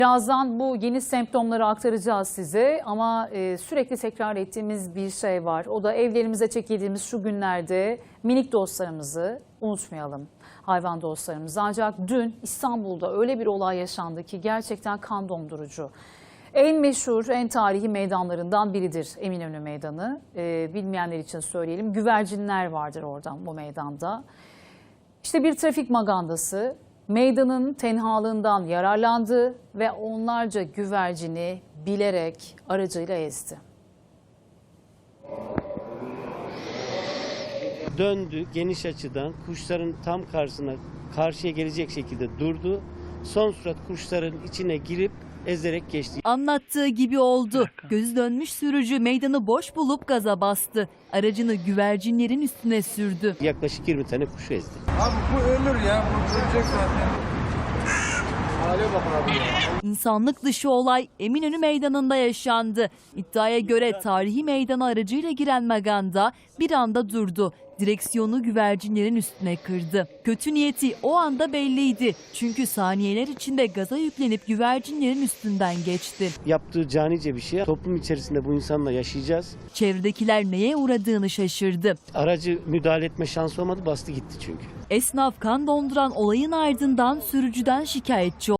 Birazdan bu yeni semptomları aktaracağız size ama sürekli tekrar ettiğimiz bir şey var. O da evlerimize çekildiğimiz şu günlerde minik dostlarımızı unutmayalım. Hayvan dostlarımızı. Ancak dün İstanbul'da öyle bir olay yaşandı ki gerçekten kan dondurucu. En meşhur, en tarihi meydanlarından biridir Eminönü Meydanı. Bilmeyenler için söyleyelim. Güvercinler vardır oradan bu meydanda. İşte bir trafik magandası meydanın tenhalığından yararlandı ve onlarca güvercini bilerek aracıyla ezdi. Döndü geniş açıdan kuşların tam karşıya gelecek şekilde durdu. Son sürat kuşların içine girip ezerek geçti. Anlattığı gibi oldu. Gözü dönmüş sürücü meydanı boş bulup gaza bastı. Aracını güvercinlerin üstüne sürdü. Yaklaşık 20 tane kuş ezdi. Abi bu ölür ya. Bu ölecek zaten. Hale bakın abi ya. İnsanlık dışı olay Eminönü Meydanı'nda yaşandı. İddiaya göre tarihi meydana aracıyla giren maganda bir anda durdu. Direksiyonu güvercinlerin üstüne kırdı. Kötü niyeti o anda belliydi. Çünkü saniyeler içinde gaza yüklenip güvercinlerin üstünden geçti. Yaptığı canice bir şey. Toplum içerisinde bu insanla yaşayacağız. Çevredekiler neye uğradığını şaşırdı. Aracı müdahale etme şansı olmadı, bastı gitti çünkü. Esnaf kan donduran olayın ardından sürücüden şikayetçi oldu.